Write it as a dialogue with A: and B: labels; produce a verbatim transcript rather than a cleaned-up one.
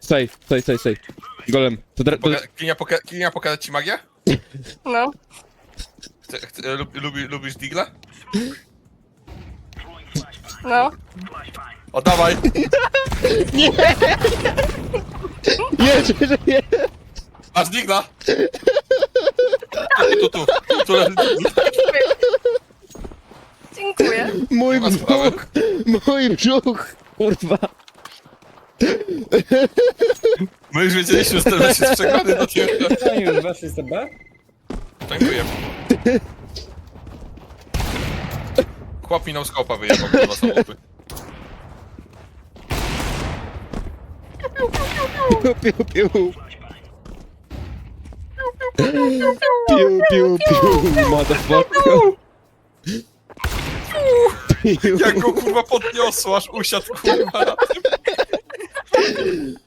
A: Stoj, stoj, stoj, stoj. Golem. To, dra- to...
B: Poka- Kinia, poka- Kinia, pokazać ci magię?
C: No.
B: Chce, chce, lub, lubi, lubisz digla?
C: No.
B: O, dawaj!
A: Nie, że, że nie.
B: Masz digla! Tu, tu, tu, tu, tu leży digla.
C: Dziękuję.
A: Mój
B: Nie ma sprawy.
A: brzuch. Mój brzuch. Kurwa.
B: My już wiedzieliśmy, że ten mecz jest przegrany do ciebie.
D: Oni już weszli z B?
B: Dziękuję. Chłop minął skopa wyjebał, kurwa, samotny.
A: Piu, piu, piu. Piu, piu, piu, motherfucker. Piu.
B: Jak go kurwa podniosło, aż usiadł kurwa na tym.